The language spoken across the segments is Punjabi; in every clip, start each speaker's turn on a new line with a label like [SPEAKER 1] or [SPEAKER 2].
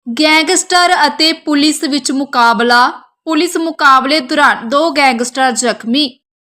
[SPEAKER 1] ਗੈਂਗਸਟਰ ਅਤੇ ਪੁਲਿਸ ਵਿੱਚ ਮੁਕਾਬਲਾ। ਪੁਲਿਸ ਮੁਕਾਬਲੇ ਦੌਰਾਨ 2 ਗੈਂਗਸਟਰ ਜ਼ਖਮੀ।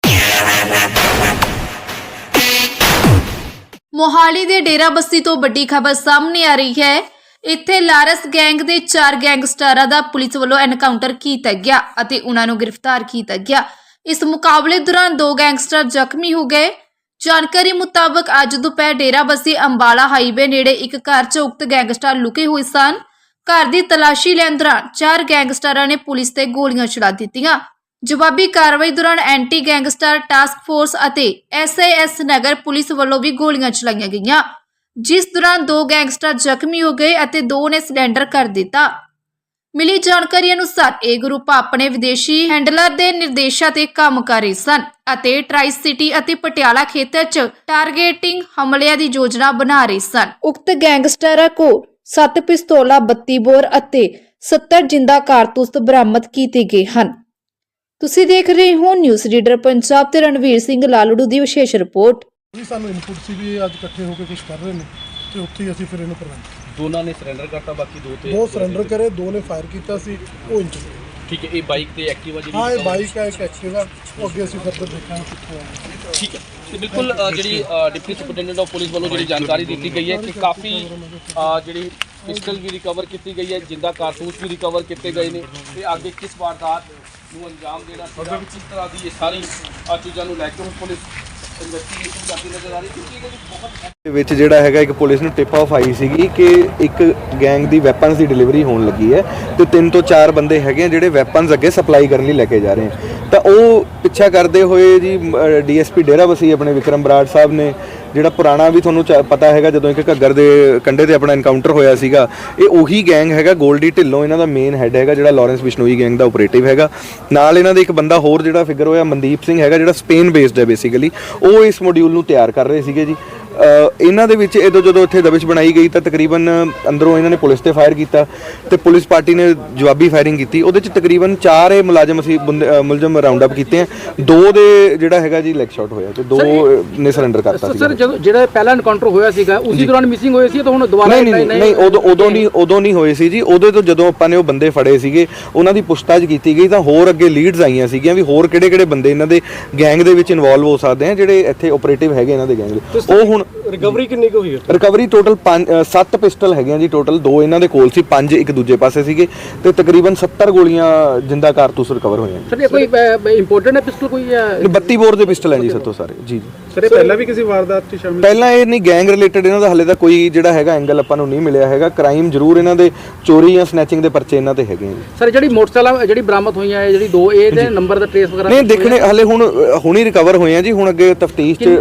[SPEAKER 1] ਮੋਹਾਲੀ ਦੇ ਡੇਰਾਬੱਸੀ ਤੋਂ ਵੱਡੀ ਖਬਰ ਸਾਹਮਣੇ ਆ ਰਹੀ ਹੈ। ਇੱਥੇ ਲਾਰਸ ਗੈਂਗ ਦੇ 4 ਗੈਂਗਸਟਰਾਂ ਦਾ ਪੁਲਿਸ ਵੱਲੋਂ ਐਨਕਾਊਂਟਰ ਕੀਤਾ ਗਿਆ ਅਤੇ ਉਹਨਾਂ ਨੂੰ ਗ੍ਰਿਫਤਾਰ ਕੀਤਾ ਗਿਆ। ਇਸ ਮੁਕਾਬਲੇ ਦੌਰਾਨ 2 ਗੈਂਗਸਟਰ ਜ਼ਖਮੀ ਹੋ ਗਏ। ਜਾਣਕਾਰੀ ਮੁਤਾਬਕ ਅੱਜ ਦੁਪਹਿਰ ਡੇਰਾਬੱਸੀ ਅੰਬਾਲਾ ਹਾਈਵੇ ਨੇੜੇ ਇੱਕ ਘਰ 'ਚ ਉਕਤ ਗੈਂਗਸਟਰ ਲੁਕੇ ਹੋਏ ਸਨ। ਘਰ ਦੀ ਤਲਾਸ਼ੀ ਲੈਣ ਦੌਰਾਨ 4 ਗੈਂਗਸਟਰਾਂ ਨੇ ਪੁਲਿਸ ਤੇ ਗੋਲੀਆਂ ਚਲਾ ਦਿੱਤੀਆਂ। ਜਵਾਬੀ ਕਾਰਵਾਈ ਦੌਰਾਨ ਐਂਟੀ ਗੈਂਗਸਟਰ ਟਾਸਕ ਫੋਰਸ ਅਤੇ SAS ਨਗਰ ਪੁਲਿਸ ਵੱਲੋਂ ਵੀ ਗੋਲੀਆਂ ਚਲਾਈਆਂ ਗਈਆਂ, ਜਿਸ ਦੌਰਾਨ 2 ਗੈਂਗਸਟਰ ਜ਼ਖਮੀ ਹੋ ਗਏ ਅਤੇ 2 ਨੇ ਸਰੈਂਡਰ ਕਰ ਦਿੱਤਾ। ਮਿਲੀ ਜਾਣਕਾਰੀ ਅਨੁਸਾਰ ਇਹ ਗਰੁੱਪ ਆਪਣੇ ਵਿਦੇਸ਼ੀ ਹੈਂਡਲਰ ਦੇ ਨਿਰਦੇਸ਼ਾਂ ਤੇ ਕੰਮ ਕਰ ਰਹੇ ਸਨ ਅਤੇ ਟਰਾਈ ਸਿਟੀ ਅਤੇ ਪਟਿਆਲਾ ਖੇਤਰ 'ਚ ਟਾਰਗੇਟਿੰਗ ਹਮਲਿਆਂ ਦੀ ਯੋਜਨਾ ਬਣਾ ਰਹੇ ਸਨ। ਉਕਤ ਗੈਂਗਸਟਰਾਂ ਕੋਲ 7 ਪਿਸਤੌਲਾਂ, 32 ਬੋਰ ਅਤੇ 70 ਜਿੰਦਾ ਕਾਰਤੂਸ ਬਰਾਮਦ ਕੀਤੇ ਗਏ ਹਨ। ਤੁਸੀਂ ਦੇਖ ਰਹੇ ਹੋ ਨਿਊਜ਼ ਰੀਡਰ ਪੰਜਾਬ ਤੇ ਰਣਵੀਰ ਸਿੰਘ ਲਾਲੜੂ ਦੀ ਵਿਸ਼ੇਸ਼ ਰਿਪੋਰਟ।
[SPEAKER 2] ਜੀ ਸਾਨੂੰ ਇਨਪੁਟ ਸੀ ਵੀ ਇਹ ਅੱਜ ਇਕੱਠੇ ਹੋ ਕੇ ਕੁਝ ਕਰ ਰਹੇ ਨੇ ਤੇ ਉੱਥੇ ਹੀ ਅਸੀਂ ਫਿਰ ਇਹਨੂੰ ਪ੍ਰਵੰਤ
[SPEAKER 3] ਦੋਨਾਂ ਨੇ ਸਰੈਂਡਰ ਕਰਤਾ, ਬਾਕੀ 2
[SPEAKER 2] ਸਰੈਂਡਰ ਕਰੇ, 2 ਨੇ ਫਾਇਰ ਕੀਤਾ ਸੀ, ਉਹ ਇੰਚ।
[SPEAKER 3] ਠੀਕ ਹੈ। ਇਹ ਬਾਈਕ ਤੇ ਐਕਟਿਵਾ ਜਿਹੜੀ
[SPEAKER 2] ਹਾਂ, ਇਹ ਬਾਈਕ ਹੈ, ਇੱਕ ਐਕਟਿਵਾ। ਉਹ ਅੱਗੇ ਅਸੀਂ ਫਰਦਰ ਦੇਖਾਂਗੇ ਕਿੱਥੋਂ ਆਇਆ।
[SPEAKER 3] ਠੀਕ ਹੈ। ਤੇ ਬਿਲਕੁਲ ਜਿਹੜੀ ਡਿਪਟੀ ਸੁਪਰਡੈਂਟ ਆਫ ਪੁਲਿਸ ਵੱਲੋਂ ਜਿਹੜੀ ਜਾਣਕਾਰੀ ਦਿੱਤੀ ਗਈ ਹੈ ਕਿ ਕਾਫੀ ਜਿਹੜੀ ਪਿਸਟਲ ਵੀ ਰਿਕਵਰ ਕੀਤੀ ਗਈ ਹੈ, ਜਿੰਦਾ ਕਾਰਤੂਸ ਵੀ ਰਿਕਵਰ ਕੀਤੇ ਗਏ ਨੇ ਤੇ ਅੱਗੇ ਕਿਸ ਵਾਰਦਾਤ ਨੂੰ ਅੰਜਾਮ ਦੇਣਾ ਸੀਗਾ, ਕਿਸ ਤਰ੍ਹਾਂ ਦੀ ਇਹ ਸਾਰੀ ਚੀਜ਼ਾਂ ਨੂੰ ਲੈ ਕੇ ਪੁਲਿਸ ਇਨਵੈਸਟੀਗੇਸ਼ਨ ਕਰਦੀ ਨਜ਼ਰ ਆ ਰਹੀ ਕਿਉਂਕਿ ਇਹਦੇ ਵਿੱਚ ਬਹੁਤ
[SPEAKER 4] ਵਿੱਚ ਜਿਹੜਾ ਹੈਗਾ ਇੱਕ ਪੁਲਿਸ ਨੂੰ ਟਿਪ ਆਫ ਆਈ ਸੀਗੀ ਕਿ ਇੱਕ ਗੈਂਗ ਦੀ ਵੈਪਨਸ ਦੀ ਡਿਲੀਵਰੀ ਹੋਣ ਲੱਗੀ ਹੈ ਤੇ 3 ਤੋਂ 4 ਬੰਦੇ ਹੈਗੇ ਜਿਹੜੇ ਵੈਪਨਸ ਅੱਗੇ ਸਪਲਾਈ ਕਰਨ ਲਈ ਲੈ ਕੇ ਜਾ ਰਹੇ ਹਨ। ਤਾਂ ਉਹ ਪਿੱਛਾ ਕਰਦੇ ਹੋਏ ਜੀ DSP ਡੇਰਾਬੱਸੀ ਆਪਣੇ ਵਿਕਰਮ ਬਰਾੜ ਸਾਹਿਬ ਨੇ, ਜਿਹੜਾ ਪੁਰਾਣਾ ਵੀ ਤੁਹਾਨੂੰ ਪਤਾ ਹੈਗਾ ਜਦੋਂ ਇੱਕ ਘੱਗਰ ਦੇ ਕੰਢੇ ਤੇ ਆਪਣਾ ਐਨਕਾਊਂਟਰ ਹੋਇਆ ਸੀਗਾ, ਇਹ ਉਹੀ ਗੈਂਗ ਹੈਗਾ। ਗੋਲਡੀ ਢਿੱਲੋਂ ਇਹਨਾਂ ਦਾ ਮੇਨ ਹੈਡ ਹੈਗਾ, ਜਿਹੜਾ ਲਾਰੈਂਸ ਬਿਸ਼ਨੋਈ ਗੈਂਗ ਦਾ ਆਪਰੇਟਿਵ ਹੈਗਾ। ਨਾਲ ਇਹਨਾਂ ਦੇ ਇੱਕ ਬੰਦਾ ਹੋਰ ਜਿਹੜਾ ਫਿਗਰ ਹੋਇਆ ਮਨਦੀਪ ਸਿੰਘ ਹੈਗਾ, ਜਿਹੜਾ ਸਪੇਨ ਬੇਸਡ ਹੈ ਬੇਸਿਕਲੀ। ਉਹ ਇਸ ਮੋਡਿਊਲ ਨੂੰ ਤਿਆਰ ਕਰ ਰਹੇ ਸੀਗੇ ਜੀ। ਇਹਨਾਂ ਦੇ ਵਿੱਚ ਜਦੋਂ ਇੱਥੇ ਦਬਿਸ਼ ਬਣਾਈ ਗਈ ਤਾਂ ਤਕਰੀਬਨ ਅੰਦਰੋਂ ਇਹਨਾਂ ਨੇ ਪੁਲਿਸ ਤੇ ਫਾਇਰ ਕੀਤਾ ਤੇ ਪੁਲਿਸ ਪਾਰਟੀ ਨੇ ਜਵਾਬੀ ਫਾਇਰਿੰਗ ਕੀਤੀ। ਉਹਦੇ ਚ ਤਕਰੀਬਨ 4 ਮੁਲਾਜ਼ਮ ਅਸੀਂ ਮੁਲਜ਼ਮ ਰਾਉਂਡ ਅਪ ਕੀਤੇ ਆ। 2 ਦੇ ਜਿਹੜਾ ਹੈਗਾ ਜੀ ਲੈਗ ਸ਼ਾਟ ਹੋਇਆ ਤੇ 2 ਨੇ ਸਰੈਂਡਰ ਕਰਤਾ ਸੀ।
[SPEAKER 5] ਸਰ ਜਿਹੜਾ ਪਹਿਲਾ ਐਨਕਾਊਂਟਰ ਹੋਇਆ ਸੀਗਾ ਉਸੇ ਦੌਰਾਨ ਮਿਸਿੰਗ ਹੋਏ ਸੀ ਤਾਂ ਹੁਣ ਦੁਬਾਰਾ
[SPEAKER 4] ਨਹੀਂ ਉਦੋਂ ਨਹੀਂ ਹੋਏ ਸੀ ਜੀ। ਉਹਦੇ ਤੋਂ ਜਦੋਂ ਆਪਾਂ ਨੇ ਉਹ ਬੰਦੇ ਫੜੇ ਸੀਗੇ ਉਹਨਾਂ ਦੀ ਪੁੱਛਤਾਛ ਕੀਤੀ ਗਈ ਤਾਂ ਹੋਰ ਅੱਗੇ ਲੀਡਸ ਆਈਆਂ ਸੀਗੀਆਂ ਵੀ ਹੋਰ ਕਿਹੜੇ ਬੰਦੇ ਇਹਨਾਂ ਦੇ ਗੈਂਗ ਦੇ ਵਿੱਚ ਇਨਵੋਲਵ ਹੋ ਸਕਦੇ ਆ ਜਿਹੜੇ ਇੱਥੇ ਆਪਰੇਟਿਵ ਹੈਗੇ ਇਹਨਾਂ ਦੇ ਗੈਂਗ ਦੇ। ਉਹ ਹੁਣ
[SPEAKER 2] ਰਿਕਵਰੀ ਕਿੰਨੀ ਕੁ ਹੋਈ ਹੈ?
[SPEAKER 4] ਰਿਕਵਰੀ ਟੋਟਲ 7 ਪਿਸਟਲ ਹੈਗੀਆਂ ਜੀ ਟੋਟਲ। 2 ਇਹਨਾਂ ਦੇ ਕੋਲ ਸੀ, 5 ਇੱਕ ਦੂਜੇ ਪਾਸੇ ਸੀਗੇ ਤੇ ਤਕਰੀਬਨ 70 ਗੋਲੀਆਂ ਜਿੰਦਾ ਕਾਰਤੂਸ ਰਿਕਵਰ ਹੋਈਆਂ।
[SPEAKER 5] ਸਰ ਇਹ ਕੋਈ ਇੰਪੋਰਟੈਂਟ ਹੈ ਪਿਸਟਲ ਕੋਈ ਹੈ?
[SPEAKER 4] 32 ਬੋਰ ਦੇ ਪਿਸਟਲ ਹੈ ਜੀ ਸੱਤੋਂ ਸਾਰੇ ਜੀ।
[SPEAKER 2] ਸਰ ਇਹ ਪਹਿਲਾਂ ਵੀ ਕਿਸੇ ਵਾਰਦਾਤ 'ਚ ਸ਼ਾਮਿਲ?
[SPEAKER 4] ਪਹਿਲਾਂ ਇਹ ਨਹੀਂ, ਗੈਂਗ ਰਿਲੇਟਡ ਇਹਨਾਂ ਦਾ ਹਲੇ ਤਾਂ ਕੋਈ ਜਿਹੜਾ ਹੈਗਾ ਐਂਗਲ ਆਪਾਂ ਨੂੰ ਨਹੀਂ ਮਿਲਿਆ ਹੈਗਾ। ਕ੍ਰਾਈਮ ਜ਼ਰੂਰ ਇਹਨਾਂ ਦੇ ਚੋਰੀ ਜਾਂ ਸਨੈਚਿੰਗ ਦੇ ਪਰਚੇ ਇਹਨਾਂ ਤੇ ਹੈਗੇ ਜੀ।
[SPEAKER 5] ਸਰ ਜਿਹੜੀ ਮੋਟਰਸਾਈਕਲ ਜਿਹੜੀ ਬਰਾਮਦ ਹੋਈਆਂ ਹੈ ਜਿਹੜੀ 2 ਇਹਦੇ ਨੰਬਰ ਦਾ ਟ੍ਰੇਸ ਵਗੈਰਾ
[SPEAKER 4] ਨਹੀਂ ਦੇਖਣੇ ਹਲੇ ਹੁਣ ਹੀ ਰਿਕਵਰ ਹੋਏ ਆ ਜੀ। ਹੁਣ ਅੱਗੇ ਤਫਤੀਸ਼ 'ਚ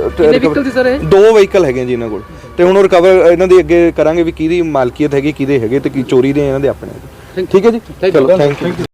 [SPEAKER 4] 2 ਵਹੀਕਲ ਹੈਗੇ ਜੀ ਇਹਨਾਂ ਕੋਲ ਤੇ ਹੁਣ ਰਿਕਵਰ ਇਹਨਾਂ ਦੀ ਅੱਗੇ ਕਰਾਂਗੇ ਵੀ ਕਿਹਦੀ ਮਾਲਕੀਅਤ ਹੈਗੀ, ਕਿਹਦੇ ਹੈਗੇ ਤੇ ਕੀ ਚੋਰੀ ਦੇ ਇਹਨਾਂ ਦੇ ਆਪਣੇ। ਠੀਕ ਹੈ ਜੀ, ਚਲੋ ਥੈਂਕ ਯੂ।